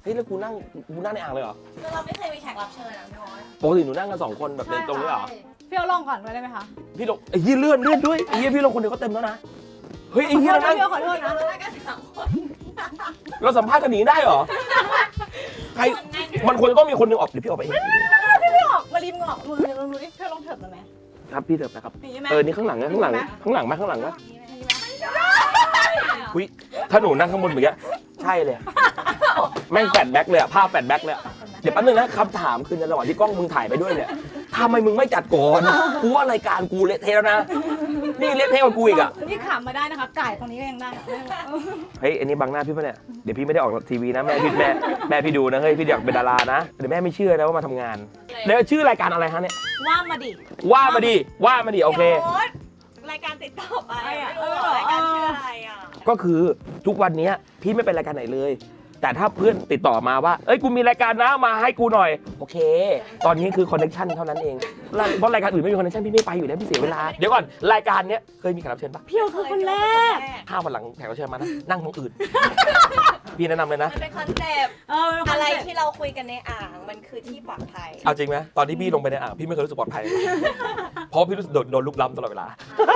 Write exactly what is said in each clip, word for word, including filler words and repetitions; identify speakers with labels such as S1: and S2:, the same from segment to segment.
S1: ฮ้ยแล้วกูนั่งกูนั่งในอ่างเลยเหรอ
S2: คือเราไม่เคยมีแขกรับเชิญนะพี่โอ๊ต
S1: ปกติหนูนั่งกันสองคนแบบเดินตรงนี้เหรอ
S3: พี่เอาลองก่อนได้ไหมคะ
S1: พี่ลงไอ้ยี่เลื่อนเลื่อนด้วยไอ้ยี่พี่ลงคนเดียวก็เต็มแล้วนะเฮ้ยไอ้ยี่เรานั่ง
S3: พี่ขอโทษนะ
S2: เราได้กันสามคน
S1: เราสัมภาษณ์กันหนีได้เหรอใครมันควรจะต้องมีคนหนึงออกเดี๋ยวพี่ออกไปเอง
S3: พี่ไม่ออกมาริมงออกมือลองดูดิพี่ลองเถิบมาไหม
S1: ครับพี่เถิบนะครับ
S3: อย่างนี้ไหม
S1: เออนี่ข้างหลังนะข้างหลังข้างหลังไหมข้างหลังไหมอุ้ยถ้าหนูนั่งข้างบนแบบนี้ใช่เลยแม่งแฟลชแบ็กเลยอะภาพแฟลชแบ็กเลยอะเดี๋ยวแป๊บนึงนะคำถามคือในระหว่างที่กล้องมึงถ่ายไปด้วยเนี่ยทำไมมึงไม่จัดก่อนกูว่ารายการกูเละเทะแล้วนะนี่เละเทะกว่ากูอีกอะ
S3: นี่ขำมาได้นะคะไก่ตรงนี้ก็ยังได้
S1: เฮ้ยอันนี้บังหน้าพี่ปะเนี่ยเดี๋ยวพี่ไม่ได้ออกทีวีนะแม่พี่แม่แม่พี่ดูนะเฮ้ยพี่อยากเป็นดารานะเดี๋ยวแม่ไม่เชื่อนะว่ามาทำงานแล้วชื่อรายการอะไรฮะเนี่ย
S3: ว่ามาดิ
S1: ว่ามาดิว่ามาดิโอเค
S2: โอ๊ตรายการติดต่อไปไม่รู้หรอรายการชื่ออะไรอ่ะ
S1: ก็คือทุกวันนี้พี่ไม่เป็นรายการไหนเลย แต่ถ้าเพื่อนติดต่อมาว่าเอ้ยกูมีรายการนะมาให้กูหน่อยโอเค ตอนนี้คือคอนเนคชั่นเท่านั้นเองเพราะรายการอื่นไม่มีคอนเนคชั่นพี่ไม่ไปอยู่แล้วพี่เสียเวลาเดี๋ยวก่อนรายการเนี้ยเคยมีแขกรับเชิญปะ
S3: พี่คือคนแรก
S1: ถ้าวันหลังแขกรับเชิญมานะนั่งตรงอื่น พี่แนะนำเลยนะ
S2: มันเป็นคอนเซปต์
S3: เออ
S2: อะไรที่เราคุยกันในอ่างมันคือที่ปลอดภัย
S1: เอาจริงไหมตอนที่พี่ลงไปในอ่างพี่ไม่เคยรู้สึกปลอดภัยเลยเพราะพี่รู้สึกโดนโดนลุกล้ำตลอดเวลา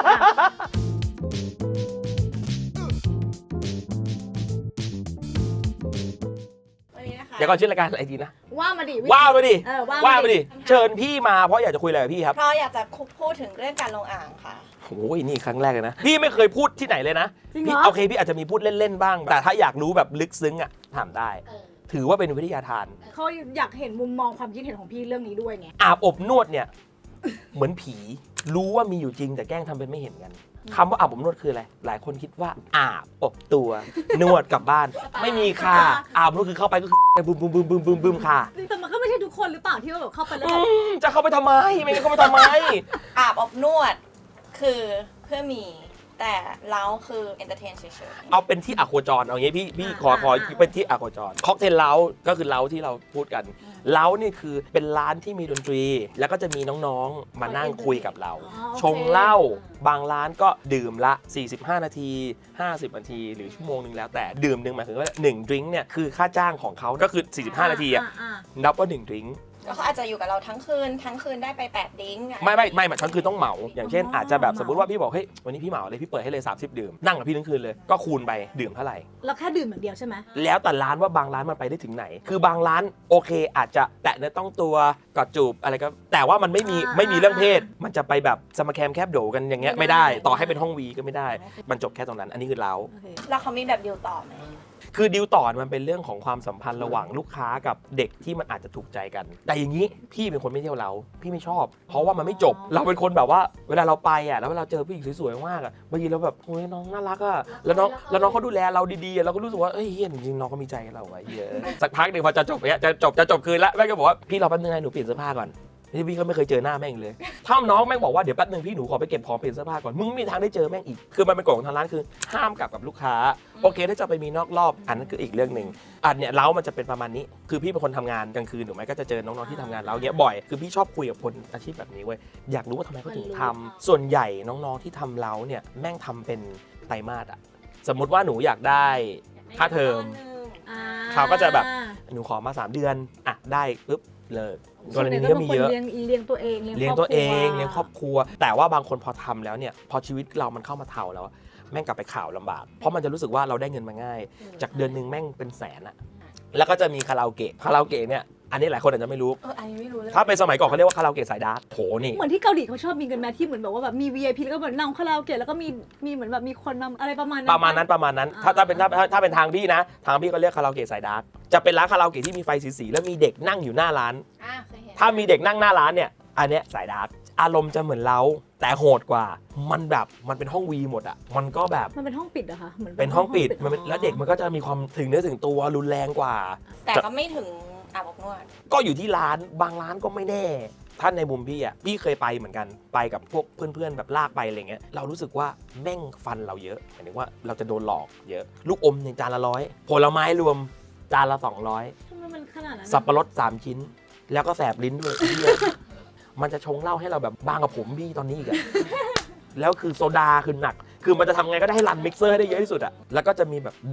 S2: วันนี้นะคะ
S1: เดี๋ยวก่อนชื่อรายการอะไรดีนะ
S3: ว่ามาดิ
S1: ว่ามาดิ
S3: เออว่า
S1: ว่า
S3: มา
S1: มา
S3: ดิ
S1: ดิเชิญพี่มาเพราะอยากจะคุยอะไรกับพี่ครับ
S2: เพราะอยากจะพูดถึงเรื่องการลงอ่างค่ะ
S1: โอ้ยนี่ครั้งแรกเลยนะพี่ไม่เคยพูดที่ไหนเลยนะ
S3: จริงเห
S1: พี่
S3: รอ
S1: โอเคพี่อาจจะมีพูดเล่นๆบ้าง แต่ถ้าอยากรู้แบบลึกซึ้งอ่ะถามได้ ถือว่าเป็นวิทยาทาน
S3: เขาอยากเห็นมุมมองความคิดเห็นของพี่เรื่องนี้ด้วยไง
S1: อาบอบนวดเนี่ย เหมือนผี รู้ว่ามีอยู่จริงแต่แกล้งทำเป็นไม่เห็นกันคำว่าอาบอบนวดคืออะไร หลายคนคิดว่าอาบอบตัว นวดกลับบ้าน ไม่มีค่ะ อาบอบนวดคือเข้าไปก็คือบึมบึมบึมบึมบึมบึมค่ะ
S3: แต่มันก็ไม่ใช่ทุกคนหรือเปล่าที่ว่าแบบเข้าไปแล้ว
S1: อื
S3: แบบ
S1: มจะเข้าไปทำไม ไม่งั้นเข้าไปทำไม
S2: อาบอบนวดคือเพื่อมีแต่เล้าคือเอนเตอร์เทนเฉยๆ
S1: เอาเป็นที่อะโคจรเอางี้พี่พี่ขอขอเป็นที่อะโคจรค็อกเทลเล้าก็คือเล้าที่เราพูดกันเล้านี่คือเป็นร้านที่มีดนตรี แล้วก็จะมีน้องๆมานั่งคุยกับเรา ชงเหล้าบางร้านก็ดื่มละสี่สิบห้านาทีห้าสิบนาทีหรือชั่วโมงนึงแล้วแต่ดื่มหนึ่งหมายถึงว่าหนึ่งดริงก์เนี่ยคือค่าจ้างของเขาก็คือสี่สิบห้านาทีอะนับว่าหนึ่งดริงก์
S2: แล้วเขาอาจจะอยู่กับเราทั้งคืนทั้งคืนได้ไปแปดดิ้งอะ
S1: ไม่ไม่ไม่หมายทั้งคืนต้องเหมาอย่างเช่นอาจจะแบบสมมติว่าพี่บอกเฮ้ยวันนี้พี่เหมาเลยพี่เปิดให้เลยสามสิบดื่มนั่งกับพี่ทั้งคืนเลยก็คูณไปดื่มเท่าไหร่
S3: เราแค่ดื่มอย่างเดียวใช่ไหม
S1: แล้วแต่ร้านว่าบางร้านมันไปได้ถึงไหน คือบางร้านโอเคอาจจะแตะเนื้อต้องตัวกอดจูบอะไรก็แต่ว่ามันไม่มีไม่มีเรื่องเพศ มันจะไปแบบสมแคมแคบโดกันอย่างเงี้ยไม่ได้ต่อให้เป็นห้องวีก็ไม่ได้ มันจบแค่ตรงนั้นอันนี้คือเรา
S3: โอเค
S2: แล้วเขามีแบบดิวต่อไหม
S1: คือดีลต่อมันเป็นเรื่องของความสัมพันธ์ระหว่างลูกค้ากับเด็กที่มันอาจจะถูกใจกัน แต่อย่างนี้พี่เป็นคนไม่เที่ยวเราพี่ไม่ชอบ เพราะว่ามันไม่จบเราเป็นคนแบบว่าเวลาเราไปอ่ะแล้วเวลาเจอผู้หญิงสวยๆมากอ่ะบางทีเราแบบโอ้ยน้องน่ารักอ่ะแล้วน้องแล้วน้องเขาดูแลเราดีๆอะเราก็รู้สึกว่าเอ้ยเฮียจริงๆน้องเขามีใจกับเราไว้เหี้ยสักพักหนึ่งพอจะจบเนี่ยจะจบจะจบคืนแล้วแม่ก็บอกว่าพี่รอแป๊บนึงนะหนูเปลี่ยนเสื้อผ้าก่อนนี่พี่ก็ไม่เคยเจอหน้าแม่งเลยถ้าน้องแม่งบอกว่าเดี๋ยวแป๊บนึงพี่หนูขอไปเก็บของเปลี่ยนเสื้อผ้าก่อนมึงไม่มีทางได้เจอแม่งอีกคือมันเป็นกฎของทางร้านคือห้ามกลับกับลูกค้าโอเคถ้าจะไปมีนอกรอบอันนั้นคืออีกเรื่องหนึ่งอันเนี้ยเล้ามันจะเป็นประมาณนี้คือพี่เป็นคนทำงานกลางคืนถูกไหมก็จะเจอน้องๆที่ทำงานเล้าเนี้ยบ่อยคือพี่ชอบคุยกับคนอาชีพแบบนี้เว้ยอยากรู้ว่าทำไมเขาถึงทำส่วนใหญ่น้องๆที่ทำเล้าเนี่ยแม่งทำเป็นไตรมาสอะสมมุติว่าหนูอยากได้ค่าเทอม เขาก็จะแบบ หนูขอมาสามเดือนอ่ะได้ปุ๊บเลิกกรณีนี้ก็มีเยอะ
S3: เลี้ยงเลี้ยงตัวเอง
S1: เลี้ยงตัวเองเลี้ยงครอบครัว แต่ว่าบางคนพอทำแล้วเนี่ยพอชีวิตเรามันเข้ามาเท่าแล้วแม่งกลับไปข่าวลำบากเพราะมันจะรู้สึกว่าเราได้เงินมาง่าย จากเดือนหนึ่งแม่งเป็นแสนอะแล้วก็จะมีคาราโอเกะคาราโอเกะเนี่ยอันนี้หลายคนอาจจะไม่รู้
S2: เอออันนี้ไม่รู้เลย
S1: ถ้าเป็นสมัยก่อนเขาเรียกว่าคาราโอเกะสายดาร์กโหนี่
S3: เหมือนที่เกาหลีเขาชอบมีกันแม้ที่เหมือนแบบว่าแบบมี วี ไอ พี แล้วก็เหมือนนั่งคาราโอเกะแล้วก็มีมีเหมือนแบบมีคนนำอะไรประมาณนั้น
S1: ประมาณนั้นประมาณนั้นถ้าถ้าเป็นถ้าถ้าถ้าเป็นทางพี่นะทางพี่ก็เรียกคาราโอเกะสายดาร์กจะเป็นร้านคาราโอเกะที่มีไฟสีๆแล้วมีเด็กนั่งอยู่หน้าร้าน
S2: อ่ะเคยเห็น
S1: ถ้ามีเด็กนั่งหน้าร้านเนี่ยอันเนี้ยสายดาร์กอารมณ์จะเหมือนเราแต่โหดกว่ามันแบบมันเป็นห้องวีหมดอ่ะมันก็แบบ
S3: มันเป็นห้องปิดเหรอคะเหมือน
S1: เป็นห้องปิดมันเป็นแล้วเด็กมันก็จะมีความถึงเนื้อถึงตัวรุนแรงกว่า
S2: แต่ก็ไม่ถึงอาบอบนวด
S1: ก็อยู่ที่ร้านบางร้านก็ไม่แน่ท่านในมุมพี่อ่ะพี่เคยไปเหมือนกันไปกับพวกเพื่อนๆแบบลากไปอะไรเงี้ยเรารู้สึกว่าแม่งฟันเราเยอะหมายถึงว่าเราจะโดนหลอกเยอะลูกอมในจานละร้อยผลไม้รวมจานละสองร้อย
S3: ทำไมมันขนาดนั้น
S1: สับปะรดสามชิ้น แล้วก็แสบลิ้นด้วย มันจะชงเหล้าให้เราแบบบางกับผมพี่ตอนนี้อีกอะ แล้วคือโซดาคือหนัก คือมันจะทำไงก็ได้ให้รันมิกเซอร์ให้ได้เยอะที่สุดอะแล้วก็จะมีแบบเด็ก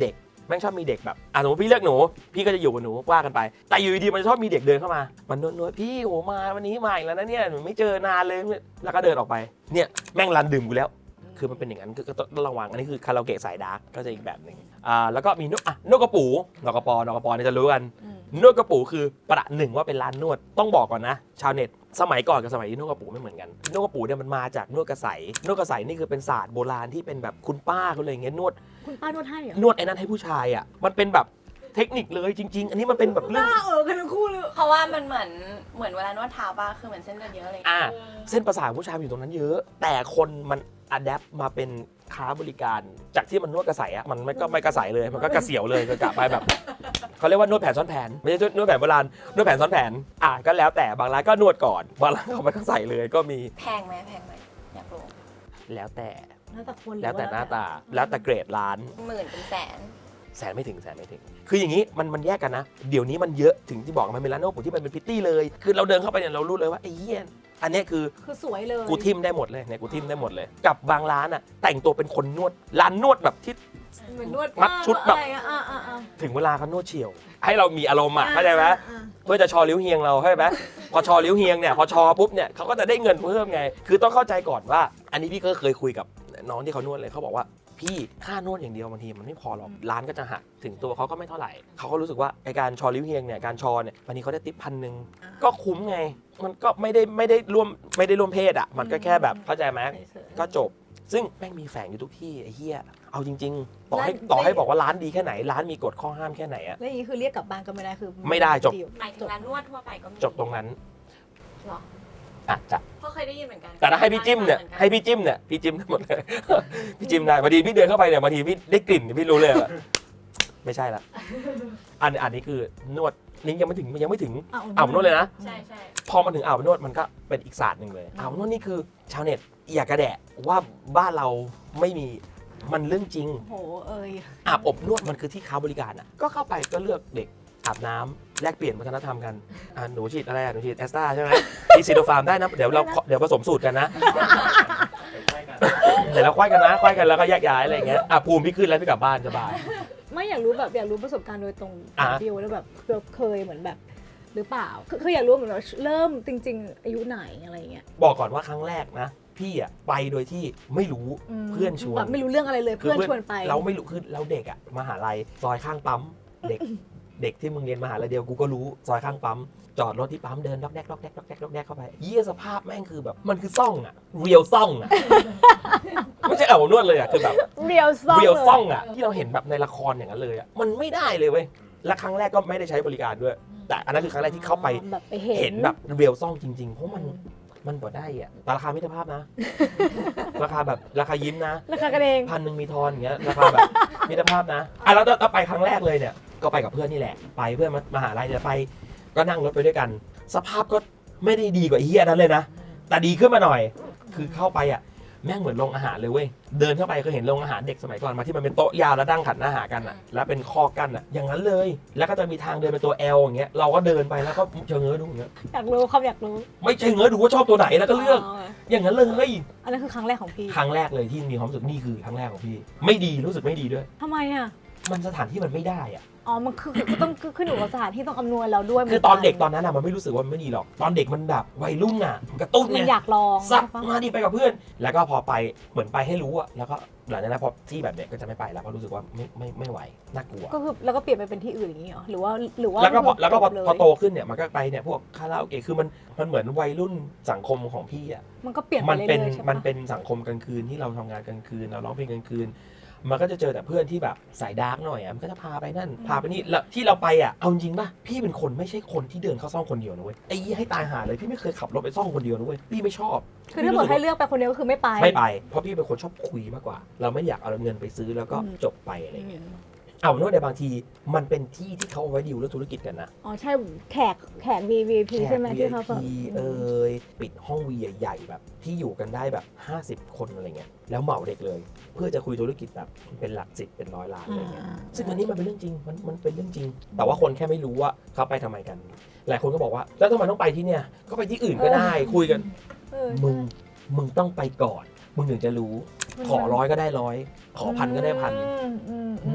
S1: แม่งชอบมีเด็กแบบอ่ะสมมติพี่เลือกหนูพี่ก็จะอยู่กับหนูว่ากันไปแต่อยู่ดีๆมันชอบมีเด็กเดินเข้ามามันนวดๆพี่โหมาวันนี้มาอีกแล้วนะเนี่ยหนูไม่เจอนานเลยแล้วก็เดินออกไปเนี่ยแม่งรันดื่มกูแล้วคือมันเป็นอย่างนั้นคือก็ต้องระวังอันนี้คือคาราโอเกะสายดาร์กก็จะอีกแบบหนึ่งอ่าแล้วก็มีนวดอ่ะนวดกระปูนวดกระปอนวดกระปอเนี่ยจะรู้กันนวดกระปูคือประหนึ่งว่าเป็นร้านนวดต้องบอกก่อนนะชาวเน็ตสมัยก่อนกับสมัยนี้นวดกระปูไม่เหมือนกันนวดกระปูเนี่ยมันมาจากนวดกระใสนวดกระใสนี่คือเป็นศาสตร์โบราณที่เป็นแบบคุณป้าเขาเลยอย่างเงี้ยนวด
S3: คุณป้านวดให้เหรอ
S1: นวดไอ้นั้นให้ผู้ชายอ่ะมันเป็นแบบเทคนิคเลยจริง ๆ อันนี้มันเป็นแบบเรื่อง
S3: ป้าเออกันทั้งคู่เลย
S2: เพราะว่ามันเหมือนเหมือนเวลานวดเท้าป่ะคือเหมือนเส้นเลือดเยอะอะไรอย่าง
S1: อ่า
S2: เงี้ย
S1: เส้นประสาทผู้ชายมันอยู่ตรงนั้นเยอะ แต่คนมันอัดแอปมาเป็นค้าบริการจากที่มันนวดกระใสอ่ะมันไม่ก็ไม่กระใสเลยมันก็กระเสียวเลยก็กะไปแบบเขาเรียกว่านวดแผนซ้อนแผนไม่ใช่นวดแผนโบราณนวดแผนซ้อนแผนอ่ะก็แล้วแต่บางร้านก็นวดก่อนบางร้านเขาไปกระใสเลยก็มี
S2: แพงไหมแพงไหมอยากรู้
S1: แล้วแต่
S3: แล้วแต่คน
S1: แล้วแต่หน้าตาแล้วแต่เกรดร้าน
S2: หมื่นเป็นแสน
S1: แสนไม่ถึงแสนไม่ถึง คืออย่างนี้มันมันแยกกันนะ เดี๋ยวนี้มันเยอะถึงที่บอกมันเป็นร้านนวดผมที่มันเป็นพิตตี้เลย คือเราเดินเข้าไปเนี่ยเรารู้เลยว่าไอ้เหี้ยอันเนี้ยคือ
S3: คือสวยเลย
S1: กูทิมได้หมดเลยเนี่ยกูทิมได้หมดเลย กับบางร้านอ่ะแต่งตัวเป็นคนนวดร้านนวดแบบที่
S3: เหมือนนวด
S1: มัดชุดแบบ
S3: อะไรอะอ่าอ่าอ่า
S1: ถึงเวลาเขานวดเฉียว ให้เรามีอารมณ์อ่ะเข้าใจไหม
S3: อ่า
S1: เพื่อจะชอริ้วเฮียงเราเข้าใจไหมพอชอริ้วเฮียงเนี่ยพอชอปุ๊บเนี่ยเขาก็จะได้เงินเพิ่มไง คือต้องเข้าใจก่อนว่า อันนี้พี่ก็เคยคุยกับน้องที่เขานวดเลยเขาบอกว่าพี่ค่านวดอย่างเดียวบางทีมันไม่พอหรอกร้านก็จะหักถึงตัวเขาก็ไม่เท่าไหร่เขาก็รู้สึกว่าไอการชอริ้วเฮียงเนี่ยการชอเนี่ยวันนี้เขาได้ติปพันหนึ่งก็คุ้มไง มันก็ไม่ได้ไม่ได้ร่วมไม่ได้ร่วมเพศอ่ะมันก็แค่แบบเข้าใจไหมก็จบ ซึ่งแม่งมีแฝงอยู่ทุกที่ไอ้เหี้ยเอาจริงๆ ต่อให้ต่อให้บอกว่าร้านดีแค่ไหนร้านมีกฎข้อห้ามแค่ไหนอะ
S3: แล้วอย่างนี้คือเรียกกลับบ้านก็ไม่ได้คือ
S1: ไม่ได้จบ
S2: หมายถึงร้านนวดทั่วไปก็มี
S1: จบตรงนั้น
S2: หรอ
S1: อาจจะ
S2: เพราะเคยได้ยินเหมือนกัน
S1: แต่ถ้าให้พี่จิ้มเนี่ยให้พี่จิ้มเนี่ยพี่จิ้มได้หมดเลย พี่จิ้มได้บางทีพี่เดินเข้าไปเนี่ยบางทีพี่ได้กลิ่นพี่รู้เลยว่าไม่ใช่ละอันอันนี้คือนวดนี่ยังไม่ถึงยังไม่ถึงอาบนวดเลยนะ
S2: ใช่ใช่
S1: พอมาถึงอาบนวดมันก็เป็นอีกศาสตร์หนึ่งเลยอาบนวดนี่คือชาวเน็ตอย่ากระแดะว่าบ้านเราไม่มีมันเรื่องจริง
S3: โหเอ้ย
S1: อาบอบนวดมันคือที่ค้าบริการอ่ะก็เข้าไปก็เลือกเด็กอาบน้ำแลกเปลี่ยนวัฒนธรรมกันอ่าหนูฉีดอะไรอ่ะหนูฉีดแอสตราใช่ไหมฉีดซีโนฟาร์มได้นะเดี๋ยวเราเดี๋ยวผสมสูตรกันนะเดี๋ยวเราควายกันนะควายกันแล้วก็แยกย้ายอะไรอย่างเงี้ยอ่ะภูมิพี่ขึ้นแล้วพี่กลับบ้านสบาย
S3: ไม่อยากรู้แบบอยากรู้ประสบการณ์โดยตรง
S1: อ่ะ
S3: ดิวแล้วแบบเราเคยเหมือนแบบ หรือเปล่าคือคืออยากรู้เหมือนว่าเริ่มจริง ๆ อายุไหนอะไรเงี้ย
S1: บอกก่อนว่าครั้งแรกนะพี่อ่ะไปโดยที่ไม่รู้
S3: ม
S1: เพื่อนชวน
S3: แบบไม่รู้เรื่องอะไรเลยเพื่อนชวนไป
S1: เราไม่รู้คือเราเด็กอ่ะมหาลัยซอยข้างปั๊มเด็ก เด็กที่มึงเรียนมหาลัยเดียวกูก็รู้ซอยข้างปั๊มจอดรถที่ปั๊มเดินล็อกแดกล็อกแดกล็อกแดกล็อกแดกเข้าไปเยี่ยสภาพแม่งคือแบบมันคือซ่องอ่ะเรียวซ่องอ่ะ ไม่ใช่เอานวดเลยอ่ะคือแบบ
S3: เรียวซ่อง
S1: เรียว
S3: ล
S1: ซ่องอ่ะที่เราเห็นแบบในละครอย่างนั้นเลยอ่ะมันไม่ได้เลยเว้ยและครั้งแรกก็ไม่ได้ใช้บริการด้วย แต่อันนั้นคือครั้งแรกที่เข้าไป
S3: แบบไปเห็น
S1: เห็นแบบเรียวซ่องจริงๆเพราะมันมันบ่ได้อ่ะแต่ราคามิตรภาพนะ ราคาแบบราคายิ้มนะ
S3: ราคากันเอง
S1: พันหนึ่งมีทอนอย่างเงี้ยราคาแบบมิตรภาพนะอ่ะแล้วแล้วไปครั้งแรกเลยเนี่ยก็ไปกับเพื่อนนี่แหละไปเพื่อนมามหาลัยเนี่ยไปก็นั่งรถไปด้วยกัน สภาพก็ไม่ได้ดีกว่าไอ้เฮียนั้นเลยนะแต่ดีขึ้นมาหน่อย คือเข้าไปอ่ะแม่งเหมือนโรงอาหารเลยเว้ยเดินเข้าไปก็เห็นโรงอาหารเด็กสมัยก่อนมาที่มันเป็นโต๊ะยาวแล้วดั้งขันอาหารกันอ่ะแล้วเป็นคอกกั้นอ่ะอย่างนั้นเลย แล้วก็จะมีทางเดินเป็นตัว L อย่างเงี้ยเราก็เดินไปแล้วก็เชิงเงื้อดูอย่างเงี้ย
S3: อยากรู้ความอยากรู้
S1: ไม่ใช่เงื้อดูว่าชอบตัวไหนแล้วก็เลือก อย่างนั้นเลย
S3: อันนั้นคือครั้งแรกของพี่
S1: ครั้งแรกเลยที่มีความรู้สึกนี่คือครั้งแรกของพี่ไม่ดีรู้สึกไม่ดีด้วย
S3: ทำไมอ่ะ
S1: มันสถานที่มันไม่ได้อ่ะ
S3: อ๋อ มันคือคือต้องขึ้นอยู่กับสถานที่ต้องอำนวยเราด้วย
S1: คือตอนเด็กตอนนั้นอะมันไม่รู้สึกว่ามันไม่ดีหรอก ตอนเด็กมันแบบวัยรุ่นอะมันกระตุ้น
S3: มัน
S1: เนี่ย
S3: อยากลอง
S1: ซัก
S3: ใช่ปะ
S1: มาดิไปกับเพื่อน แล้วก็พอไปเหมือนไปให้รู้อะแล้วก็หลังจากนั้นพอที่แบบเนี้ยก็จะไม่ไปแล้วเพราะรู้สึกว่าไม่ไม่ไม่ไหวน่ากลัว
S3: ก็คือแล้วก็เปลี่ยนไปเป็นที่อื่นอย่างนี้เหรอ หรือว่าหรือว่า
S1: แล้วก็พอแล้วก็พอ
S3: จบเย
S1: พอโตขึ้นเนี่ยมันก็ไปเนี่ยพวกคาราโอเกะคือมันมันเหมือนวัยรุ่นสังคมของพี่อะ
S3: มันก็เปลี่ยนไป
S1: มัน
S3: เรื่
S1: เป็น
S3: อยๆใช่ปะ
S1: มันเป็นสังคมกลางคืนที่เราทำงานกลางคืนเราร้องเพลงกลางคืน มันก็จะเจอแต่เพื่อนที่แบบสายดาร์กหน่อยอ่ะมันก็จะพาไปนั่นพาไปนี่แล้วที่เราไปอ่ะเอาจริงป่ะพี่เป็นคนไม่ใช่คนที่เดินเข้าซ่องคนเดียวนะเว้ยไอ้ยี่ให้ตายหาเลยพี่ไม่เคยขับรถไปซ่องคนเดียวนะเว้ยพี่ไม่ชอบ
S3: คือถ้าเกิดให้เลือกไปคนเดียวก็คือไม่ไป
S1: ไม่ไปเพราะพี่เป็นคนชอบคุยมากกว่า เราไม่อยากเอาเงินไปซื้อแล้วก็
S3: อืม
S1: จบไปอะไรเงี้ยเอาโน้ตในบางทีมันเป็นที่ที่เขาเอาไว้ดีลเรื่องธุรกิจกันนะ
S3: อ๋อใช่แขกแขก วี วี พี ใช่ไหม
S1: แขก
S3: ที่เขาแบบ
S1: วี ไอ พี เอ่ยปิดห้องวีใหญ่ๆแบบที่อยู่กันได้แบบห้าสิบคนอะไรเงี้ยแล้วเหมาเด็กเลย เพื่อจะคุยธุรกิจแบบเป็นหลักสิบเป็นร้อยล้านอะไรเงี้ย ซึ่งอันนี้มันเป็นเรื่องจริง มันมันเป็นเรื่องจริง แต่ว่าคนแค่ไม่รู้ว่าเขาไปทำไมกัน หลายคนก็บอกว่า แล้วทำไมต้องไปที่เนี่ย ก็ไปที่อื่นก็ได้ คุยกัน
S3: เออ
S1: มึง มึงต้องไปก่อน มึงถึงจะรู้ ขอร้อยก็ได้ร้อย ขอพันก็ได้พัน
S3: อืมอืมอืม
S1: ณ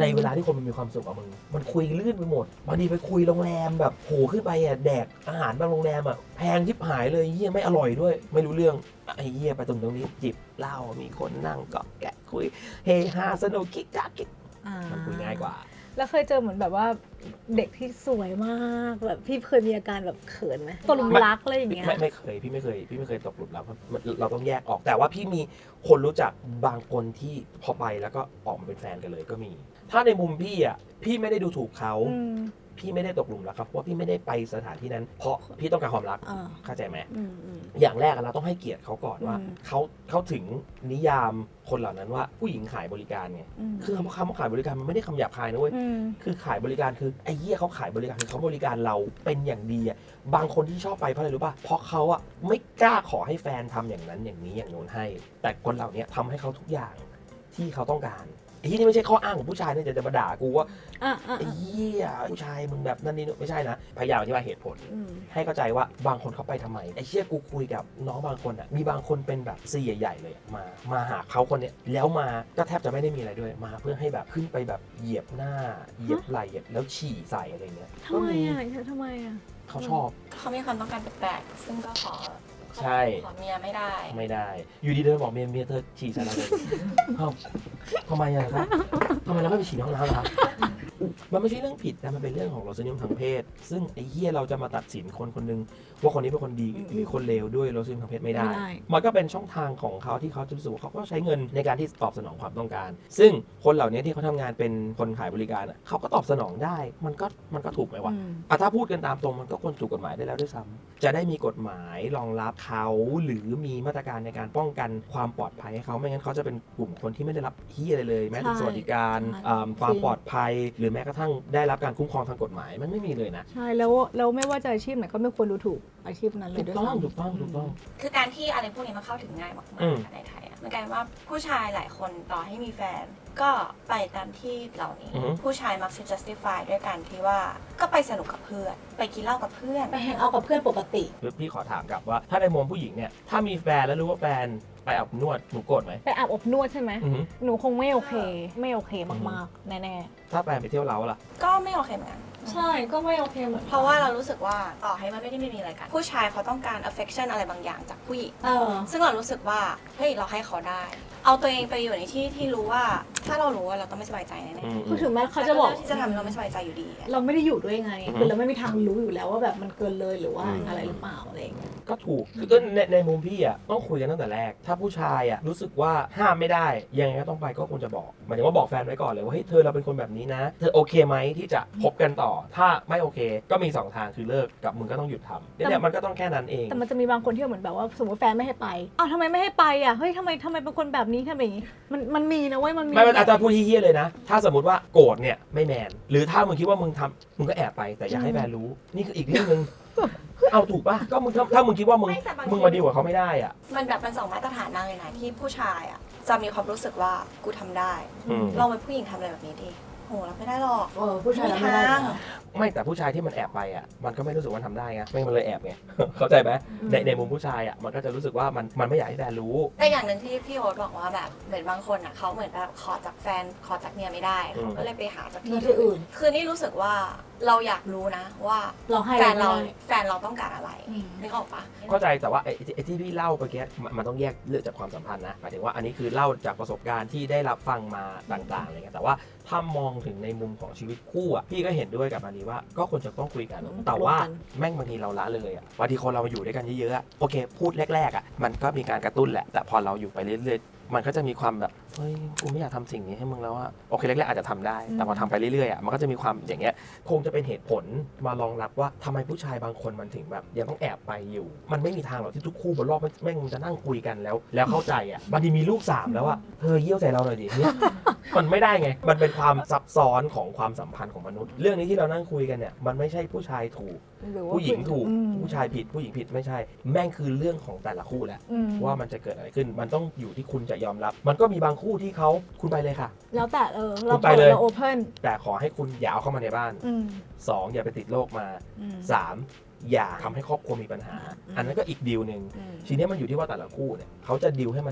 S1: ในเวลาที่คนมันมีความสุขกับมึงมันคุยลื่นไปหมดบางทีไปคุยโรงแรมแบบโหขึ้นไปอ่ะแดกอาหารบางโรงแรมอ่ะแพงชิบหายเลยเฮียไม่อร่อยด้วยไม่รู้เรื่องไอ้เฮียไปตรงตรงนี้จิบเหล้ามีคนนั่งเกาะแกะคุยเฮฮาสนุกคิกคักคิก
S3: อ่า
S1: มันคุยง่ายกว่า
S3: แล้วเคยเจอเหมือนแบบว่าเด็กที่สวยมากแบบพี่เคยมีอาการแบบเขินไหมตกหลุมรักอะไรอย่างเงี้ย
S1: ไม่ไม่เคยพี่ไม่เคยพี่ไม่เคยตกหลุมรักเราต้องแยกออกแต่ว่าพี่มีคนรู้จักบางคนที่พอไปแล้วก็ออกมาเป็นแฟนกันเลยก็มี ถ้าในมุมพี่อ่ะพี่ไม่ได้ดูถูกเขา
S3: อืม
S1: พี่ไม่ได้ตกหลุมรักครับเพราะว่าพี่ไม่ได้ไปสถานที่นั้น เพราะพี่ต้องการความรัก
S3: อ่า
S1: เข้าใจไหม
S3: อืมอืม
S1: อย่างแรกอะเราต้องให้เกียรติเขาก่อนว่า
S3: อืม
S1: เขาเขาถึงนิยามคนเหล่านั้นว่าผู้หญิงขายบริการไง
S3: อืม
S1: คือคำว่าคำว่าขายบริการมันไม่ได้คำหยาบคายนะเว้ย
S3: อืม
S1: คือขายบริการคือไอ้เหี้ยเขาขายบริการคือเขาบริการเราเป็นอย่างดีอ่ะบางคนที่ชอบไปเพราะอะไรรู้ป่ะเพราะเขาอ่ะไม่กล้าขอให้แฟนทำอย่างนั้นอย่างนี้อย่างโน้นให้ แต่คนเหล่านี้ทำให้เขาทุกอย่างที่เขาต้องการไอ้ที่นี่ไม่ใช่ข้ออ้างของผู้ชายนะจะจะมาด่ากูว่า
S3: อ่ะอ่ะ
S1: ไอ้เหี้ยผู้ชายมึงแบบนั่นนี่นู่นไม่ใช่นะพยายามอธิบายเหตุผล
S3: อืม
S1: ให้เข้าใจว่าบางคนเขาไปทำไมไอ้เชี่ยกูคุยกับน้องบางคนอ่ะมีบางคนเป็นแบบซีใหญ่ๆเลยอะมามาหาเขาคนเนี้ยแล้วมาก็แทบจะไม่ได้มีอะไรด้วยมาเพื่อให้แบบขึ้นไปแบบเหยียบหน้าเหยียบไหล่แล้วฉี่ใส่อะไรเงี้ย
S3: ทำไมอ่ะทำไมอ่ะ
S1: เขาชอบ
S2: เขามีความต้องการแปลกๆซึ่งก็ขอ
S1: ใช่
S2: ขอเมียไม่ได้
S1: ไม่ได้ อยู่ดีเดินบอกเมียเมียเธอฉี่ใส่เราเลยเอ้าทำไมอะครับทำไมเราไม่ไปฉี่ในห้องน้ำล่ะครับมันไม่ใช่เรื่องผิดนะมันเป็นเรื่องของรสนิยมทางเพศ ซึ่งไอ้เหี้ยเราจะมาตัดสินคนคนหนึงว่าคนนี้เป็นคนดีหรือคนเลวด้วยรสนิยมทางเพศไม่ได้
S3: ไม่ได้
S1: มันก็เป็นช่องทางของเขาที่เขาจะรู้สึกว่าเขาก็ใช้เงินในการที่ตอบสนองความต้องการ ซึ่งคนเหล่านี้ที่เขาทำงานเป็นคนขายบริการอะเขาก็ตอบสนองได้ มันก็มันก็ถูกไหมวะ
S3: อืม
S1: อ่ะถ้าพูดกันตามตรงมันก็ควรถูกกฎหมายได้แล้วด้วยซ้ำจะได้มีกฎหมายรองรับเขาหรือมีมาตรการในการป้องกันความปลอดภัยให้เขาไม่งั้นเขาจะเป็นกลุ่มคนที่ไม่ได้รับเฮียอะไรเลย แม้แต่
S3: ใช่
S1: สวัสดิการ
S3: ใช่
S1: อ่าความ
S3: จริง
S1: ปลอดภัย หรือแม้กระทั่งได้รับการคุ้มครองทางกฎหมายมันไม่มีเลยนะ
S3: ใช่แล้วแล้วไม่ว่าจะอาชีพไหนก็ไม่ควรดูถูกอาชีพนั้นเล
S1: ถู
S3: ย
S1: ก
S3: ด้วย
S1: ต้อง
S3: ซ้ำ
S1: ถูกต้องถูกต้อง
S2: คือการที่อะไรพวกนี้มันเข้าถึงง่ายมาก
S1: อืม
S2: ๆในไทยอะมันกลายเป็นว่าผู้ชายหลายคนต่อให้มีแฟน ก็ไปตามที่เหล่านี้
S1: อือฮึ
S2: ผู้ชายมักจะ justify ด้วยการที่ว่าก็ไปสนุกกับเพื่อน ไปกินเหล้ากับเพื่อน
S3: ไปแฮงเอาท์กับเพื่อนปกติ
S1: คือพี่ขอถามกลับว่าถ้าในมุมผู้หญิงเนี่ยถ้ามีแฟนแล้วรู้ว่าแฟนไปอาบนวดหนูโกรธไหม
S3: ไปอาบอบนวดใช่ไหม
S1: อือหือ
S3: หนูคงไม่โอเค ไม่โอเคมากๆ แน่
S1: ถ้าแฟนไปเที่ยวเล้าล่ะ
S2: ก็ไม่โอเคเหมือนกัน
S3: ๆ ใช่ก็ไม่โอเคเหมือน
S2: เพราะว่าเรารู้สึกว่าต่อให้มันไม่ได้มีอะไรกัน ผู้ชายเขาต้องการ affection อะไรบางอย่างจากผู้หญิง
S3: เออ
S2: ซึ่งเรารู้สึกว่าเฮ้ยเราให้เขาได้ เอาตัวเองไปอยู่ในที่ที่รู้ว่าถ้าเรารู้ว่าเราต้องไม่สบายใจแน่
S1: อืม
S3: คือถึงแม้
S2: ๆ
S3: เขาจะบอก
S2: แต่ที่จะทำให้เราไม่สบายใจอยู่ดีอะ
S3: เราไม่ได้อยู่ด้วยไง
S1: อือฮึ
S3: คือเราไม่มีทางรู้อยู่แล้วว่าแบบมันเกินเลยหรือว่า
S1: อืม
S3: อะไรหรือเปล่าอะไรอย่างเงี้ย
S1: ก็ถูกคือในในมุมพี่อ่ะต้องคุยกันตั้งแต่แรก ถ้าผู้ชายอ่ะรู้สึกว่าห้ามไม่ได้ยังไงก็ต้องไปก็ควรจะบอกหมายถึงว่าบอกแฟนไว้ก่อนเลยว่าเฮ้ยเธอเราเป็นคนแบบนี้นะ เธอโอเคไหมที่จะคบกันต่อ ถ้าไม่โอเค ก็มีสองทางคือเลิกกับมึงก็ต้องหยุดทำเนี่ยมันก็ต้องแค่นั้นเอง
S3: แต่มันจะมีบางคนที่เหมือนแบบว่าสมมติแฟนไม่ให้ไปอ้าวทำไมไม่ให้ไปอ่ะเฮ้ยทำไมทำไมเป็นคนแบบนี้ทำไมอย่างงี้มันมันมีนะเว้ยมันมี
S1: ไม่เป็นอาจารย์พูดเฮี้ยๆเลยนะ ถ้าสมมติว่าโกรธเนี่ยไม่แมน หรือถ้ามึงคิดว่ามึงทำมึงก็แอบไปแต่อย่าให้แฟนรู้ นี่คืออีกเรื่องหนึง เอาถูกป่ะ ก็มึงถ้าถ้ามึงคิดว่ามึง
S2: ไม่แต่บางที
S1: มึงมาดีลกับเขาไม่ได้อ่ะ
S2: มันแบบมันสองมาตรฐานมากเลยนะที่ผู้ชายอ่ะจะมีความรู้สึกว่ากูทำได้
S1: อืม
S2: ลองเป็นผู้หญิงทำอะไรแบบนี้ดิโหรับไม่ได้หรอก
S3: เออผู้ชายรับไม่ได้
S2: ไม่มีทาง
S3: นะ
S1: ไม่แต่ผู้ชายที่มันแอบไปอ่ะมันก็ไม่รู้สึกว่าทำได้ไงไม่งั้นมันเลยแอบไง เข้าใจไหม
S3: อืม
S1: ในในมุมผู้ชายอ่ะมันก็จะรู้สึกว่ามันมันไม่อยากให้แฟนรู้
S2: แต่อย่างหนึ่งที่พี่โอ๊ตบอกว่าแบบเหมือนบางคนอ่ะเขาเหมือนแบบขอจากแฟนขอจากเมียไม่ได้
S1: อืม
S2: เขาก็เลยไปหาจาก
S3: มี
S2: ที่
S3: ที่อื่น
S2: คือนี่รู้สึกว่าเราอยากรู้นะว่า
S3: เราให้
S2: แฟนเรา
S3: ไม่ได้
S2: แฟนเราต้องการอะไร
S3: อืม
S2: นึกออกปะ
S1: เข้าใจแต่ว่าไอ้ไอ้ที่พี่เล่าเมื่อกี้มันมันต้องแยกเรื่องจากความสัมพันธ์นะหมายถึงว่าอันนี้คือเล่าจากประสบการณ์ที่ได้รับฟังมาต่างๆอะไรเงี้ยแต่ว่าถ้ามองถึงในมุมของชีวิตคู่อ่ะพี่ก็เห็นด้วยกับอันนี้ว่าก็ควรจะต้องคุยกัน
S3: อืม
S1: แต่ว่า
S3: ตกลงกัน
S1: แม่งบางทีเราละเลยอ่ะบางทีคนเรามาอยู่ด้วยกันเยอะๆอะโอเค พูดแรกๆอ่ะมันก็มีการกระตุ้นแหละแต่พอเราอยู่ไปเรื่อยๆมันก็จะมีความแบบเฮ้ยกูไม่อยากทำสิ่งนี้ให้มึงแล้วอ่ะโอเคแรกๆอาจจะทำได้ แต่พอทำไปเรื่อยๆอ่ะมันก็จะมีความอย่างเงี้ยคงจะเป็นเหตุผลมารองรับว่าทำไมผู้ชายบางคนมันถึงแบบยังต้องแอบไปอยู่ มันไม่มีทางหรอกที่ทุกคู่บนโลกมันแม่งจะนั่งคุยกันแล้ว แล้วเข้าใจอ่ะบางทีมีลูกสามแล้วอ่ะเธอเยี่ยวใส่เราหน่อยดิเนี่ย มันไม่ได้ไง มันเป็นความซับซ้อนของความสัมพันธ์ของมนุษย์ เรื่องนี้ที่เรานั่งคุยกันเนี่ยมันไม่ใช่ผู้ชายถูก
S3: หรือว่า
S1: ผู้หญิงถูก
S3: อืม
S1: ผู้ชายผิดผู้หญิงผิดไม่ใช่ แม่งคือเรื่องของแต่ละคู่แหละ
S3: อืม
S1: ว่ามันจะเกิดอะไรขึ้น มันต้องอยู่ที่คุณจะยอมรับ มันก็มีบางคู่ที่เขาคุณไปเลยค่ะ
S3: แล้วแต่เออเรา
S1: คุณไปเลย
S3: เราโอเพน
S1: แต่ขอให้คุณอย่าเอาเข้ามาในบ้าน
S3: อืม
S1: สองอย่าไปติดโรคมา
S3: อืม
S1: สามอย่าทำให้ครอบครัวมีปัญหา
S3: อืม
S1: อันนั้นก็อีกดีลหนึ่ง
S3: อืม
S1: ทีนี้มันอยู่ที่ว่าแต่ละคู่เนี่ยเขาจะดีลให้มันจบ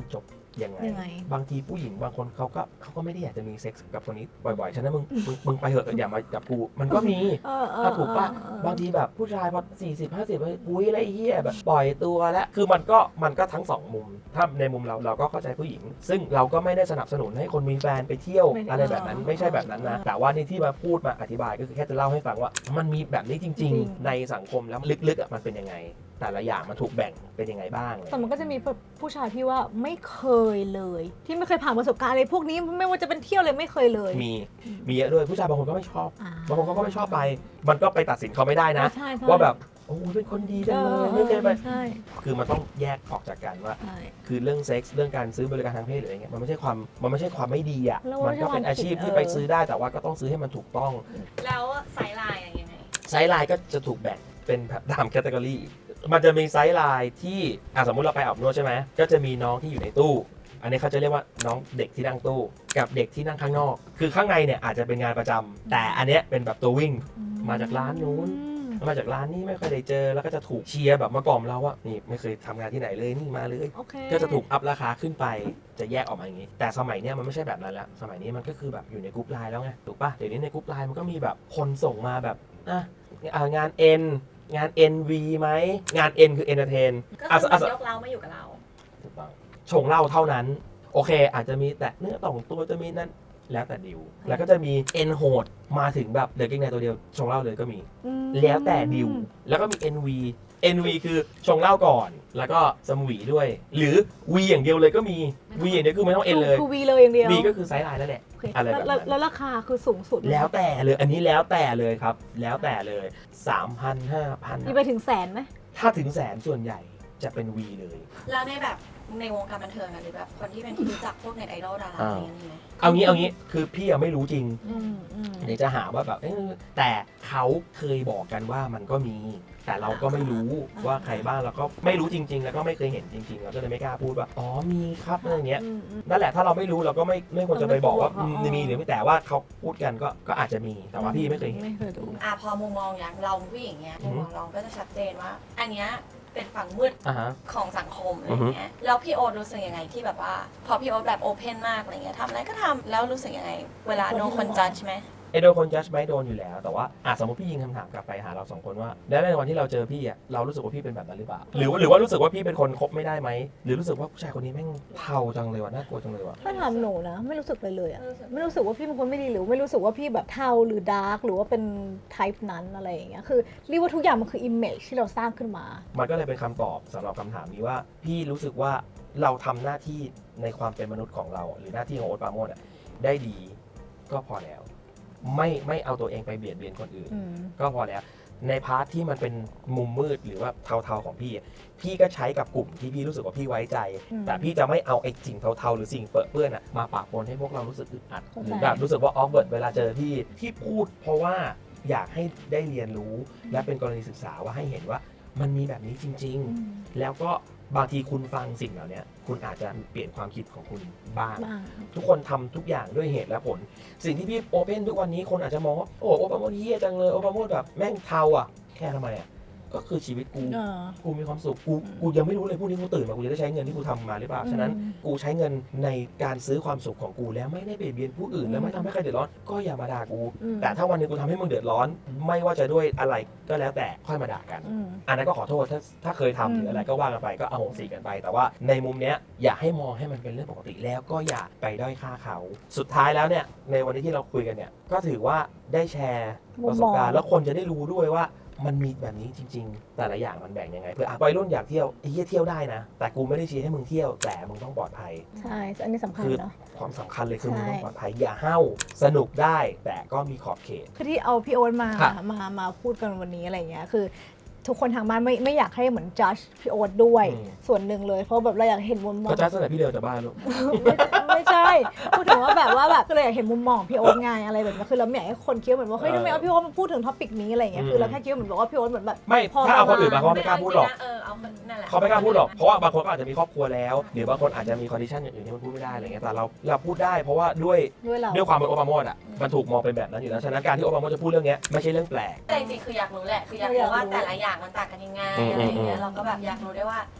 S1: ยังไง
S3: ยังไง
S1: บางทีผู้หญิงบางคนเขาก็เขาก็ไม่ได้อยากจะมีเซ็กส์กับคนนี้บ่อยๆฉะนั้นมึงมึงมึงไปเถอะอย่ามาจับกูมันก็มี
S3: เออเออ
S1: ถ้าถูกปะ
S3: เออเออ
S1: บางทีแบบผู้ชายพอสี่สิบห้าสิบอุ้ยอะไรเฮียแบบปล่อยตัวแล้วคือมันก็มันก็ทั้งสองมุม ถ้าในมุมเราเราก็เข้าใจผู้หญิง ซึ่งเราก็ไม่ได้สนับสนุนให้คนมีแฟนไปเที่ยว
S3: ไม่ได้
S1: อะไรแบบนั้นไม่ใช่แบบนั้นนะแต่ว่านี่ที่มาพูดมาอธิบายก็คือแค่จะเล่าให้ฟังว่ามันมีแบบนี้จริง ๆ ในสังคมแล้วลึกๆอ่ะมันเป็นยังไง แต่ละอย่างมันถูกแบ่งเป็นยังไงบ้าง
S3: แต่มันก็จะมีผู้ชายที่ว่าไม่เคยเลย ที่ไม่เคยผ่านประสบการณ์อะไรพวกนี้ไม่ว่าจะเป็นเที่ยวเลยไม่เคยเลย
S1: มีมีเยอะด้วยผู้ชายบางคนก็ไม่ชอบ
S3: อ่
S1: บางคนเขาก็ไม่ชอบไป มันก็ไปตัดสินเขาไม่ได้นะ
S3: ใช่ใช่
S1: ว่าแบบโอ้เป็นคนดีจังเลยไม่เคยไป
S3: ใช่
S1: คือมันต้องแยกออกจากกันว่า
S3: ใช่
S1: คือเรื่องเซ็กส์เรื่องการซื้อบริการทางเพศหรืออะไรเงี้ยมันไม่ใช่ความมันไม่ใช่ความไม่ดีอ่ะ
S3: แล้ว
S1: มันก็เป็นอาชีพที่
S3: เออ
S1: ไปซื้อได้แต่ว่าก็ต้องซื้อให้มันถูกต้อง
S2: แล้วไซส์ไลน์อะยังไง
S1: ไซส์ไลน์ก็จะถูกแบ่งเป็นตามแคตตากรีมันจะมีไซส์ไลน์ที่อ่ะสมมุติเราไปอาบนวดใช่ไหมก็จะมีน้องที่อยู่ในตู้ อันนี้เขาจะเรียกว่าน้องเด็กที่นั่งตู้ กับเด็กที่นั่งข้างนอก คือข้างในเนี่ยอาจจะเป็นงานประจำแต่อันเนี้ยเป็นแบบตัววิ่ง มาจากร้านนู้น มาจากร้านนี้ไม่ค่อยได้เจอแล้วก็จะถูกเชียร์แบบมากล่อมเราว่านี่ไม่เคยทำงานที่ไหนเลยนี่มาเลย
S3: โอเค
S1: ก็จะถูกอัพราคาขึ้นไปจะแยกออกมาอย่างนี้ แต่สมัยเนี้ยมันไม่ใช่แบบนั้นแล้วสมัยนี้มันก็คือแบบอยู่ในกรุ๊ปไลน์แล้วไงถูกปะเดี๋ยวนี้ในกรุ๊ปไลน์มันก็มีแบบคนส่งมาแบบอ่ะอ่ะงาน N งาน เอ็น วี ไหมงาน N คือ entertain
S2: ก็
S1: อ่ะ
S2: คือ
S1: อ่ะ
S2: มันยกเรามาอยู่กับเรา
S1: ถูกต้องชงเหล้าเท่านั้น โอเค อาจจะมีแต่เนื้อต่องตัวจะมีนั่นแล้วแต่ดิวแล้วก็จะมี N โหดมาถึงแบบเหลือเกงในตัวเดียวชงเหล้าเลยก็มี
S3: อืม
S1: แล้วแต่ดิวแล้วก็มี เอ็น วี เอ็น วี คือชงเหล้าก่อน แล้วก็สมหวีด้วย หรือ V อย่างเดียวเลยก็มี V อย่างเดียวคือไม่ต้อง N เลย
S3: คือวีเลยอย่างเดียว
S1: V ก็คือไซส์ไลน์นั่นแหละ
S3: โอเค
S1: อะไรแบบนั้น
S3: แล้วแล้วราคาคือสูงสุด
S1: แล้วแต่เลยอันนี้แล้วแต่เลยครับ แล้วแต่เลย สามพัน ห้าพัน
S3: มีไปถึงแสนไหม
S1: ถ้าถึงแสนส่วนใหญ่จะเป็น V เลย
S2: แล้วในแบบในวงการบันเทิงอะหรือแบบคนที่เป็นที่รู้จักพวกเน็ตไอดอลดาราอะไรอย่างเงี้ยมีไหม
S1: เอางี้เอางี้คือพี่อะไม่รู้จริง
S3: อืมอืม
S1: เดี๋ยวจะหาว่าแบบเอ้ยแต่เขาเคยบอกกันว่ามันก็มี แต่เราก็ไม่รู้ว่าใครบ้างแล้วก็ไม่รู้จริง ๆ แล้วก็ไม่เคยเห็นจริงๆเราก็เลยไม่กล้าพูดว่าอ๋อมีครับอะไรเงี้ย
S3: อืมอืม
S1: นั่นแหละถ้าเราไม่รู้เราก็ไม่ไม่ควรจะไปบอกว่า
S3: อ๋อ
S1: อืมมีหรือไม่แต่ว่าเขาพูดกันก็ก็อาจจะมีแต่ว่าพี่ไม่เคยเห็น
S3: ไม่เคยดู
S2: อ่ะพอมุมมองอย่างเราผู้หญิงเนี้ย
S1: อื
S2: มุ
S1: อ
S2: ม
S1: ฮึ
S2: มองเราก็จะชัดเจนว่า อันเนี้ยเป็นฝั่งมืด
S1: อ่าฮะ
S2: ของสังคมอะไรเงี้ยแล้วพี่โอ๊ตรู้สึกยังไงที่แบบว่า พอพี่โอ๊ตแบบโอเพนมากอะไรเงี้ยทำอะไรก็ทำแล้วรู้สึกยังไง เวลาโดนคนจัดใช่ไหม
S1: ไอโดนคนจัดไหมโดนอยู่แล้วแต่ว่าอ่ะสมมติพี่ยิงคำถามกลับไปหาเราสองคนว่าแล้วในวันที่เราเจอพี่อ่ะเรารู้สึกว่าพี่เป็นแบบนั้นหรือเปล่าหรือว่าหรือว่ารู้สึกว่าพี่เป็นคนคบไม่ได้ไหมหรือรู้สึกว่าผู้ชายคนนี้แม่งเทาจังเลยว่ะน่ากลัวจังเลยว่ะ
S3: ถ้าถามหนูนะ ไม่รู้สึกเลยเลยอะ
S2: ไม่รู้สึก
S3: ไม่รู้สึกว่าพี่เป็นคนไม่ดีหรือไม่รู้สึกว่าพี่แบบเทาหรือดาร์กหรือว่าเป็นไทป์นั้นอะไรอย่างเงี้ยคือเรียกว่าทุกอย่างมันคืออิมเมจที่เราสร้างขึ้นมา
S1: มันก็เลยเป็นคำตอบสำหรับคำถามนี้ว่า พี่รู้สึกว่าเราทำหน้าที่ในความเป็นมนุษย์ของเรา หรือหน้าที่ของโอ๊ตปราโมชอะได้ดีก็พอแล้ว ไม่ไม่เอาตัวเองไปเบียดเบียนคนอื่น
S3: อืม
S1: ก็พอแล้ว ในพาร์ทที่มันเป็นมุมมืดหรือว่าเทาๆของพี่อะพี่ก็ใช้กับกลุ่มที่พี่รู้สึกว่าพี่ไว้ใจ
S3: อืม
S1: แต่พี่จะไม่เอาไอ้สิ่งเทาๆหรือสิ่งเปื้อนเปื้อนอะมาปะปนให้พวกเรารู้สึกอึดอัด
S3: เข้าใจ
S1: หรือแบบรู้สึกว่าออฟเวิร์ดเวลาเจอพี่ที่พูดเพราะว่าอยากให้ได้เรียนรู้และเป็นกรณีศึกษาว่าให้เห็นว่ามันมีแบบนี้จริง
S3: อืม
S1: ๆ แล้วก็บางทีคุณฟังสิ่งเหล่านี้คุณอาจจะเปลี่ยนความคิดของคุณบ้าง
S3: บ้าง
S1: ทุกคนทำทุกอย่างด้วยเหตุและผล สิ่งที่พี่โอเพนทุกวันนี้คนอาจจะมองว่าโอ้โอปาโมดเฮี้ยจังเลยโอปาโมดแบบแม่งเทาอ่ะแค่ทำไมอ่ะก็คือชีวิตกู
S3: เออ
S1: กูมีความสุขกูกูยังไม่รู้เลยพรุ่งนี้กูตื่นมากูจะได้ใช้เงินที่กูทำมาหรือเปล่าฉะนั้น
S3: อืม
S1: กูใช้เงินในการซื้อความสุขของกูแล้วไม่ได้เบียดเบียนผู้อื่น
S3: อืม
S1: แล้วไม่ทำให้ใครเดือดร้อนก็อย่ามาด่ากู
S3: อืม
S1: แต่ถ้าวันหนึงกูทำให้มึงเดือดร้อน ไม่ว่าจะด้วยอะไรก็แล้วแต่ค่อยมาด่ากัน
S3: อืม
S1: อันนั้นก็ขอโทษถ้าถ้าเคยทำ
S3: อืม
S1: หรืออะไรก็ว่ากันไปก็เอาโหสิกันไป แต่ว่าในมุมเนี้ยอย่าให้มองให้มันเป็นเรื่องปกติแล้วก็อย่าไปด้อยค่าเขา สุดท้ายแล้วเนี่ยในวันนี้ที่เราคุยกันเนี่ยก็ถือว่าได้แชร์ประสบการณ์แล้วคนจะได้รู้ด้วยว่ามันมีแบบนี้จริง ๆ แต่ละอย่างมันแบ่งยังไงเพื่ออ่ะวัยรุ่นอยากเที่ยวไอ้เหี้ยเที่ยวได้นะ แต่กูไม่ได้เชียร์ให้มึงเที่ยวแต่มึงต้องปลอดภัย
S3: ใช่อันนี้สำคัญ
S1: คือ
S3: เนาะ
S1: ความสำคัญเลยคือ
S3: ใช่
S1: มึงต้องปลอดภัยอย่าห้าวสนุกได้แต่ก็มีขอบเขต
S3: คือที่เอาพี่โอ๊ตมา
S1: ค่ะ
S3: มา มาพูดกันวันนี้อะไรเงี้ย คือ ทุกคนทางบ้านไม่ไม่อยากให้เหมือนจัดพี่โอ๊ตด้วย
S1: อืม
S3: ส่วนหนึ่งเลย เพราะแบบเราอยากเห็นมุมมอง
S1: ก็จ้าสมัยพี่เดินจากบ้านลูก
S3: ไม่ไม่ใช่ พูดถึงว่าแบบว่าแบบก็เลยอยากเห็นมุมมองของพี่โอ๊ตไงอะไรแบบนี้คือเราไม่อยากให้คนคิดเหมือนว่าเฮ้ยทำไมเอาพี่โอ๊ตมาพูดถึงท็อปิกนี้อะไรเงี้ย คือเราแค่คิดว่าเหมือนบอกว่าพี่โอ๊ตเหมือนแบบ
S1: ไม่
S3: พอ
S1: ถ้าเอาคน
S3: ประมาณ
S1: อื่นมาเขาไม่กล้าพูดหรอก
S2: เออเอาคนนั่นแหละ
S1: เขาไม่กล้าพูดหรอก เพราะว่าบางคนก็อาจจะมีครอบครัวแล้ว หรือบางคนอาจจะมีคอนดิชันอย่างอื่นที่มันพูดไม่ได้อะไรเงี้ย แต่เราเราพูดได้เพราะว่าด้วย
S3: ด้วยเรา
S1: ด้วยความเป็นโอปาโมดอ่ะ มันถูกมองเป็นแบบนั้นอยู่แล้ว ฉะนั้นการที่โอปาโมดจะพูดเรื่องเนี้ยไม่ใช่เรื่องแปลก
S2: แต่จริงๆคืออยากรู้แหละ คืออยากรู้ว่าแต่ละอย่างมันต่างกันยังไง
S1: อืม
S2: อะไรอย่างเงี้
S1: อื
S2: ย
S1: ม
S2: เราก็แบบอยากรู้ด้วยว่า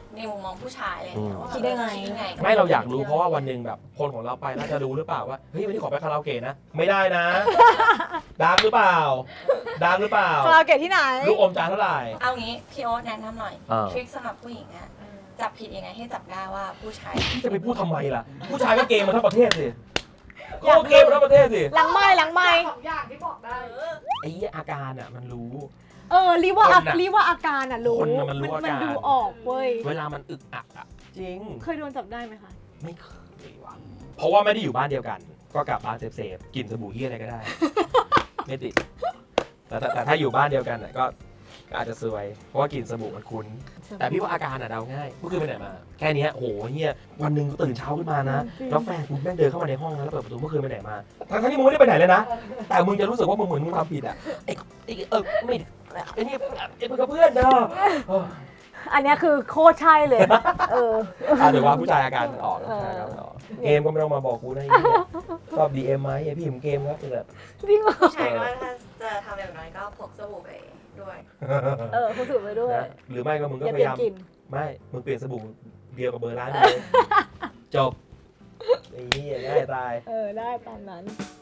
S2: ในมุมมองผู้ชายอะไรอย่างเงี้ยว่า
S3: คิดได้ไง
S2: คิดไง
S1: ไม่เราอยากรู้เพราะว่าวันหนึ่งแบบคนของเราไปน่าจะรู้หรือเปล่าว่าเฮ้ยวันนี้ขอไปคาราโอเกะนะไม่ได้นะดังหรือเปล่าดังหรือเปล่า
S3: คาราโอเกะที่ไหน
S1: ลูกอมจานเท่าไหร่
S2: เอางี้พี่โอ๊ตแนะนำหน่อย
S1: อ่า
S2: ทริคสำหรับผู้หญิงอะจับผิดยังไงให้จับได้ว่าผู้ชาย
S1: พี่จะไปพูดทำไมล่ะ ผู้ชายก็เกมมาทั้งประเทศสิ
S3: อยาก
S1: ก็เกมมาทั้งประเทศสิ
S3: หลังไม้หลังไม้
S4: สองอย่างที่บอกได้
S1: ไอ้เหี้ยอาการอ่ะมันรู้
S3: เออรีว่า
S1: คนน่ะ
S3: รีว่าอาการอ่ะรู้
S1: คนน่ะมันรู้อาการ
S3: มันดูออกเว้ย
S1: เวลามันอึกอักอ่ะจริง
S3: เคยโดนจับได้ไหมคะ
S1: ไม่เคยว่ะเพราะว่าไม่ได้อยู่บ้านเดียวกัน ก็กลับบ้านเซฟๆกินสบู่เฮียอะไรก็ได้ ไม่ติดแต่แต่แต่ถ้าอยู่บ้านเดียวกันน่ะก็ก็อาจจะซวย เพราะว่ากลิ่นสบู่มันคุ้น แต่พี่ว่าอาการอ่ะเดาง่ายเมื่อคืนไปไหนมา แค่เนี้ยโหเฮียวันหนึ่งตื่นเช้าขึ้นมานะ แล้วแฟนกูแม่งเดินเข้ามาในห้องนะแล้วเปิดประตูเมื่อคืนไปไหนมา ทั้งๆที่มึงไม่ได้ไปไหนเลยนะ แต่มึงจะรู้สึกว่ามึงเหมือนมึงทำผิดอ่ะไอ้ไอ้เออไม่ไอ้นี่ไอ้มึงกับเพื่อนเนาะเออ
S3: อันเนี้ยคือโคตรใช่เลย เออ
S1: อ่ะเดี๋ยวว่าผู้ชายอาการมันออกผู้ชายอาการมันออกเกมก็ไม่ต้องมาบอกกูนะไอ้เหี้ยชอบ ดี เอ็ม ไหมไอ้พี่ผมเกมครับนี่แหละ
S3: จริงเหรอ
S2: ผู้ชายก็ถ้าจะทำอย่างน้อยก็พกสบู่ไปด้วย
S3: เออคุณถือไปด้วย
S1: นะหรือไม่ก็มึง
S3: อ
S1: ก็
S3: ย่า
S1: พ
S3: เปลี่
S1: ยาย ยาม
S3: นกลิ่น
S1: ไม่ มึงเปลี่ยนสบู่เดียวกับเบอร์ร้านเลย จบไอ้เหี้ยง่ายตาย
S3: เออได้ตามนั้น